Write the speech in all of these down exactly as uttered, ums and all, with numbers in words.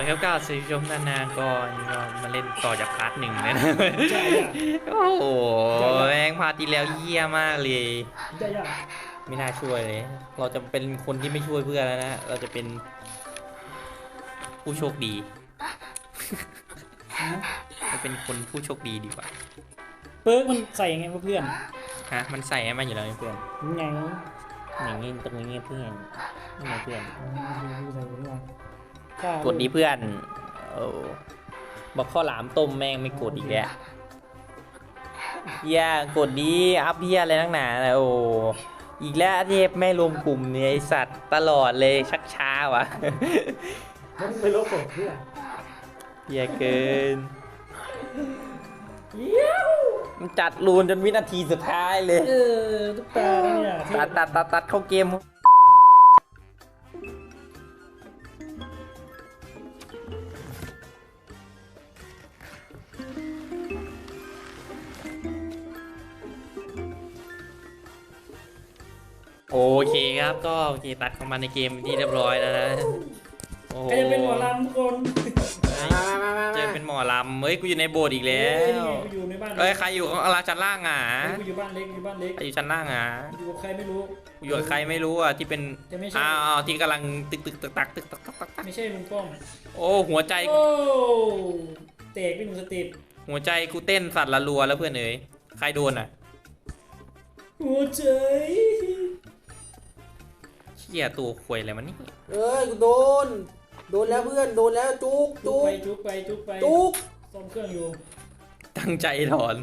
ครับก้าวสิชมนานๆก่อนก็มาเล่นต่อจากพาร์ทหนึ่งเลยนะใช่อะโอ้โหแม่งพาร์ทที่แล้วเยี่ยมากเลยใช่อะไม่น่าช่วยเลย เราจะเป็นคนที่ไม่ช่วยเพื่อนแล้วนะ เราจะเป็นผู้โชคดีฮะจะเป็นคนผู้โชคดีดีกว่าเปิร์กมันใส่ยังไงวะเพื่อนฮะมันใส่ให้มันอยู่แล้วเพื่อนยังไงอย่างนี้ตรงนี้เพื่อนนี่ไงเพื่อนอ๋อดูใส่ผมว่ะกดดีเพื่อนโอ้บอกข้าวหลามต้มแม่งไม่กดอีกแล้วเฮียกดดีอัพเฮียอะไรนักหนาเลยโอ้อีกแล้วเทพไม่รวมกลุ่มเนี่ยไอสัตว์ตลอดเลยชักช้าวะมันไปลบผมเพื่อนเฮียเกินเยี่ยวมันจัดรูนจนวินาทีสุดท้ายเลยเออตุ๊กตาเนี่ยตัดตัดตัดตัดเข้าเกมโอเคครับก็โอเคตัดเข้ามาในเกมที่เรียบร้อยแล้วนะโอ้โหใครจะเป็นหมอลำทุกคนเฮ้ยมามามาเจอเป็นหมอลำเฮ้ยกูอยู่ในโบสถ์อีกแล้เอ้ยว อยู่ในบ้านเอ้ยใครอยู่ข้างล่างชั้นล่างอ่ะกูอยู่บ้านเล็กอยู่บ้านเล็กใครอยู่ชั้นล่างอ่ะอยู่กับใครไม่รู้กูอยู่กับใครไม่รู้อ่ะที่เป็นจะไม่ใช่อ้าวที่กำลังตึกตึกตึกตักตึกตักตักตักตักไม่ใช่ลุงป้อมโอ้หัวใจโอ้เตะไปหนึ่งสเต็ปหัวใจกูเต้นสั่นละรัวแล้วเพื่อนเอ๋ยใครโดนอ่ะหัวใจเชี่ยตัวควยอะไรมันนี่เอ้ยกูโดน โดนแล้วเพื่อน โดนแล้วจุกจุจุกกไปจุกไปจุกไปจุกซ่อมเครื่องอยู่ตั้งใจถอน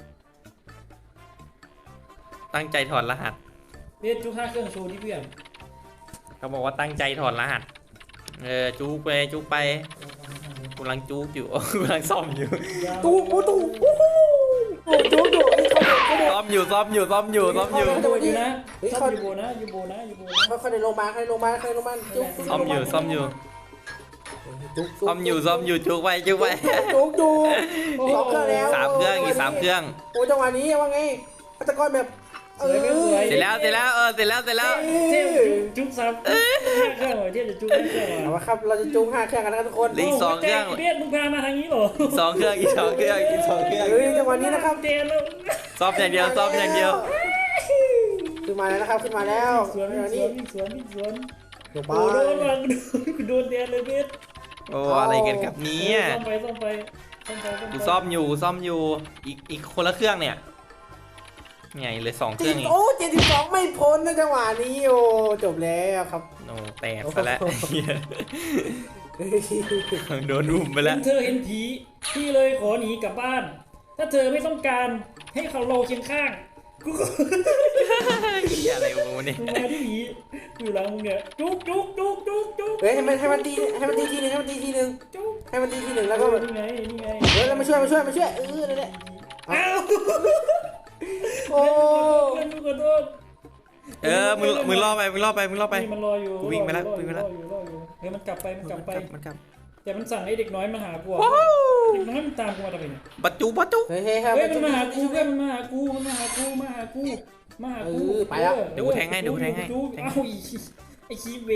ตั้งใจถอนรหัสเบสจุกห้าเครื่องโชว์ที่เพื่อนเขาบอกว่าตั้งใจถอนรหัสเออจุกไปจุกไปกูกำลังจุกอยู่ กูกำลังซ่อมอยู่จุกโอ้จุกโอ้โหโอ้จุกจุกเฮ้ยเขาเด็กเขาเด็กซ่อมอยู่ซ่อมอยู่ซ่อมอยู่ซ่อมอยู่โบอยู่นะเฮ้ยซ่อเขามอยู่โบนะอยู่โบนะอยู่โบนะเขาเขาในโรงพยาบาลเขาในโรงพยาบาลเขาในโรงพยาบาลจุกซ่อมอยู่ซ่อมอยู่จุกซ่อมอยู่ซ่อมอยู่จุกไปจุกไปจุกจุกสองเครื่องแล้วสามเครื่องอีกสามเครื่องโอ้จังหวะนี้ว่าไงอัตกรแบบเออเสร็จแล้วเสร็จแล้วเออเสร็จแล้วเสร็จแล้วเทพจุกจุกซ้ำห้าเครื่องเหรอเทพจะจุกห้าเครื่องเหรเอาอละครับเราจะจุกห้าเครื่องกันนะครับทุกคนเหลืออีกสองเครื่องเบสมึงพามาทางนี้เหรอสองเครื่องอีกสองเครื่องอีกสองเครื่องเฮ้ยจังหวะนี้นะครับเจนแล้วซ่อมอย่างเดียวซ่อมอย่างเดียวขึ้นมาแล้วนะครับขึ้นมาแล้วสวนจังหวะสนี้วนสวนสวนโรงพยาโอ้บาโดลนว่ะกูโดนแดนเลยเบสโอ้อะไรกันครับเนี่ยซ่อมไปซ่อมไปซ่อมไปกูซ่อมอยู่ซ่อมอยู่อีกอีกคนละเครื่องเนี่ยไงเหลยสองเคจรื่ริองงเองโอ้เจ็ดสิบสองไม่พ้นนะจังหวะนี้โอ้จบแล้วครับโอ้แตกซะแล้วเฮ้ยโดนรุมไปแล้วเธอเห็นผีพี่เลยขอหนีกลับบ้าน ถ้าเธอไม่ต้องการให้เขาเราเคียงข้างกูก็เหี้ยอะไรวะเนี่ยมึงมาที่ผีอยู่หลังมึงเนี่ยจุกจุกจุกจุกจุกเฮ้ยให้มันให้มันตีให้มันตีทีหนึ่งให้มันตีทีหนึ่งจุกให้มันตีทีหนึ่งแล้วก็แบบนี่ไงนี่ไงเฮ้ยเรามาช่วยมาช่วยมาช่วยเออนั่นแหละอ้าวโอ้เพื่อนกูขอโทษเออมึงมึงล่อไปมึงล่อไปมึงล่อไปนี่มันรออยู่กูวิ่งไปแล้วรอวิ่อยู่งไปแล้วรออยู่รออยู่เฮ้ยมันกลับไปมันกลับไปมันกลับแต่มันสั่งให้เด็กน้อยมาหากูอะเด็กน้อยมันตามกูมาทำไมเนี่ยบัจจุบัจจุเฮ้ยเฮ้ยเฮ้ยให้มันมาหากูช่วยเพื่อนมันมาหากูมันมาหากูมาหากูมาหากูเออไปแล้วเดี๋ยวกูแทงให้เดี๋ยวกูแทงให้จุ๊บแทงเอ้าให้อีไอ้ขี้เวน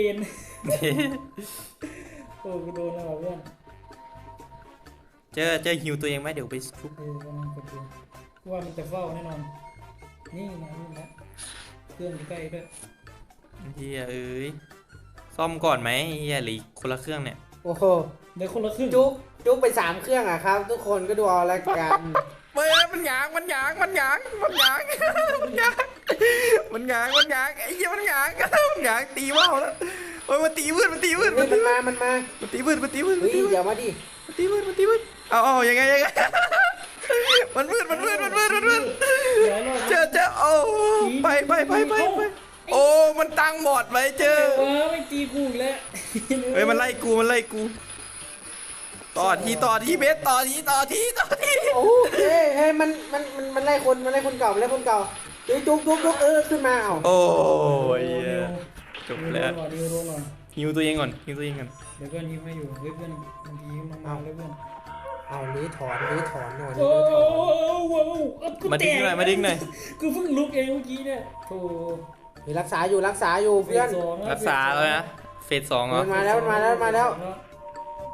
โอ้กูโดนแล้วว่ะเพื่อนเจอเจอฮิวตัวเองไหมเดี๋ยวไปชุบเออกำลังกดดูว่ามันจะเฝ้าแน่นอน นี่นะนี่นะเครื่องอยู่ใกล้ด้วยเฮียเอ้ยซ่อมก่อนไหมเฮียหรือคนละเครื่องเนี่ยโอ้โหเดี๋ยวคนละครึ่งจุกจุกไปสามเครื่องอ่ะครับ ทุกคนก็ดูเอาละกันเฮ้ยมันหยางมันหยางมันหยางมันหยางมันหยางมันหยางมันหยางไอ้เหี้ยมันหยางมันหยางตีว่าวแล้วโอ้ยมันตีวืดมันตีวืดเฮ้มัยนมัตีนมามันมามันตีวืดมันตีวืดมัเฮ้นยตีวืดอย่ามาดิมันตีวืดมันตีวืดเอาเอายังไงยังไงมันวืดมันวืดมันวืดมันวืดหลายรอบเจอเจอโอ้ไปไปไปไปไปโอ้มันตั้งบอดไว้เจอเออไม่ตีกูอีกแล้วเฮ้ยมันไล่กูมันไล่กูต่อทีต่อทีเบสต่อทีต่อทีต่อทีโอ้เฮ้ยเฮ้ยมันมันมันมันไล่คนมันไล่คนเก่ามันไล่คนเก่าเฮ้ยจุกจุกจุกเออขึ้นมาเอาโอ้ยเดี๋ยวจบแล้วเดี๋ยวโดนก่อนฮิวตัวเองก่อนฮิวตัวเองก่อนเดี๋ยวเพื่อนยิ้มให้อยู่เฮ้ยเพื่อนมันยิ้มมาๆเลยเพื่อนเอาหรือถอนหรือถอนหน่อยหรืโอ้อถอนโหกูมาดิ้งหน่อยมาดิ้งหน่อยกูเพิ่งลุกเองเมื่อกี้เนี่ยโธ่เฮ้ยรักษาอยู่รักษาอยู่เพื่อนฟสงแล้วรักษาแล้วนะเฟสสองเหรอมันมาแล้วมันมาแล้วมันมาแล้วอืม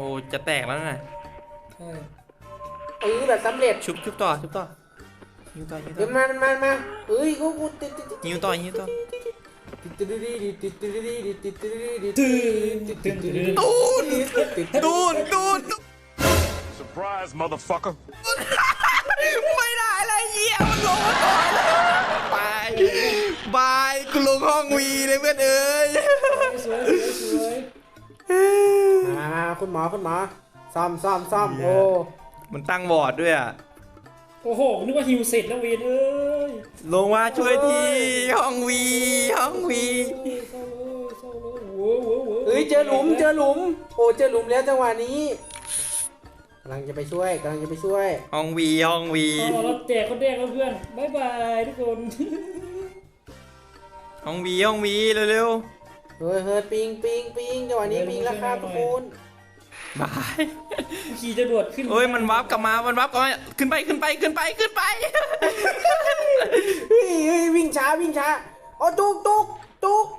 โอ้จะแตกแล้วนะใช่เออแบบสำเร็จชุบชุบต่อชุบต่อยิวต่อยิวต่เดี๋อยวมามามาเอ้ยกูกูติดติดติดยิวต่อยิวต่อติดติดติดติดติดติดติดติดติดตื่นตื่นตื่นตูนตูนตูน Surprise, motherfucker. ไม่ได้เลยเยี่ยมันลงมาก่อนบายบายกูลงห้องวีเลยเพื่อนเอ้ยสวยสวยสวยมามาคุณหมอคุณหมอซ่อมซ่อมซ่อมโอ้มันตั้งบอร์ดด้วยอ่ะโอ้โหนึกว่าฮิวเสร็จแล้วเวนเอ้ยลงมาช่วยทีห้องวีห้องวีเศร้าเลยเศร้าเลยโว้โว้โว้เอ้ยเจอหลุมเจอหลุมโอ้เจอหลุมแล้วจังหวะนี้กำลังจะไปช่วยกำลังจะไปช่วยห้องวีห้องวีเอาเราแจกคนแรกแล้วเพื่อนบายบายทุกคนห้องวีห้องวีเร็วเฮ้ยเฮ้ยปิงปิงปิงจังหวะนี้ปิงแล้วครับทุกคนๆบายขี่จะดวดขึ้นเอ้ยมันวับกลับมามันวับกลับมาขึ้นไปขึ้นไปขึ้นไปขึ้นไปเฮ้ยเฮ้ยวิ่งช้าวิ่งช้าอ๋อจุกจุกจุก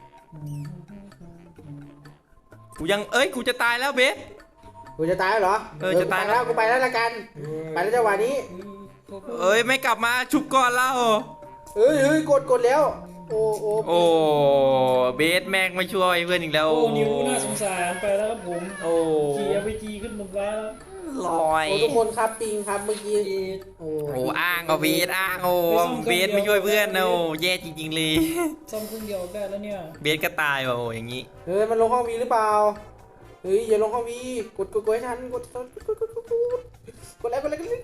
กูยังเอ้ยกูจะตายแล้วเบสกูจะตายแล้วเหรอเออจะตายแล้วกูไปแล้วละกันไปแล้วจังหวะนี้เอ้ยไม่กลับมาชุบก่อนเล่าเฮ้ยเฮ้ยกดกดแล้วโอ้โอ้โอ้เบสแม่งไม่ช่วยเพื่อนอีกแล้วโอ้นิ้วน่าสงสารไปแล้วครับผมโอ้ขี่เอาไปจีขึ้นบนฟ้าแล้วลอยโอ้ทุกคนครับปิงครับเมื่อกี้โอ้โอ้อ้างก็เบสอ้างโอ้เบสไม่ช่วยเพื่อนนะโอ้แย่จริงๆเลยซ่อมเครื่องเดียวได้แล้วเนี่ยเบสก็ตายว่ะโอ้อย่างงี้เฮ้ยมันลงห้องวีหรือเปล่าเฮ้ยอย่าลงห้องวีกดกดกดให้ทันกดกดกดกดกดกดกดอะไรกดอะไรกดอะไร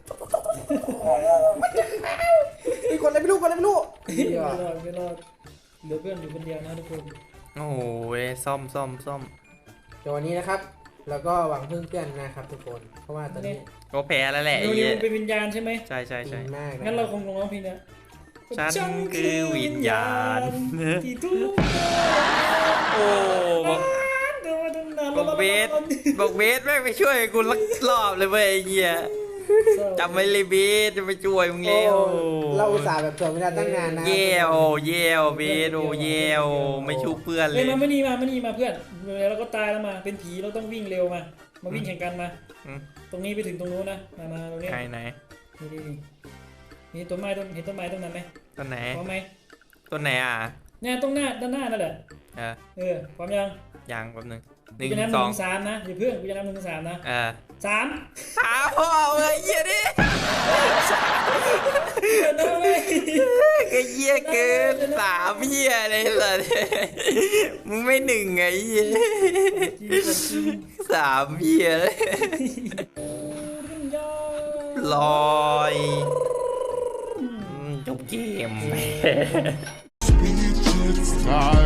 เฮ้ยกดอะไรไม่รู้กดอะไรไม่รู้ไม่รอดไม่รอดเหลือเพื่อนอยู่คนเดียวนะทุกคนโอ้ยซ่อมซ่อมซ่อมเดี๋ยววันนี้นะครับแล้วก็หวังพึ่งเพื่อนนะครับทุกคนเพราะว่าตอนนี้ก็แพ้แล้วแหละไอ้นิ้วเหี้นิ้ยวเป็นวิญญาณใช่ไหมใช่ใช่ปิใช่งมากนะงั้นเราคงลงร้องเพลงเนี้ยฉันคือวิญญาณที่ทุกโอ้บอกเดินมาตั้งนานบอกเบสบอกเบสแม่งไปช่วยกูลักรอบเลยเว้ยไอ้เหี้ยจำไว้เลยเบสจะไปช่วยมึงโอ้แล้วเราอุตส่าห์แบบถ่วงเวลาตั้งนานนะเย่โอ้เย่โอ้เบสโอ้เย่โอ้ไม่ชูเพื่อนเลเฮ้ยยมาไม่นี่มาไม่นี่มาเพื่อนแล้วก็ตายแล้วมาเป็นผีเราต้องวิ่งเร็วมามาวิ่งแข่งกันมาอืมตรงนี้ไปถึงตรงนู้นนะมามาตรงนี้ใครไหนนี่นี่นี่นี่ต้นไม้ต้นเห็นต้นไม้ต้นนั้นไหมต้นไหนพร้อมไหมต้นไหนอ่ะเนี่ยตรงหน้าด้านหน้านั่นแหละเออเออพร้อมยังยังแป๊บนึงหกูนึ่งจะนับหสนึ่องงสามนะอย่าเพิ่งกูจะนับหนึ่งสามนะเออสามหาพ่อเอ้ยเหี้ยดิเดินเลยก็เหี้ยเกินสามเหี้ยเลยสัสมึงไม่หนึ่งไงเหี้ยสามเหี้ยเลยลอยอืมจบเกม Speechless, tired.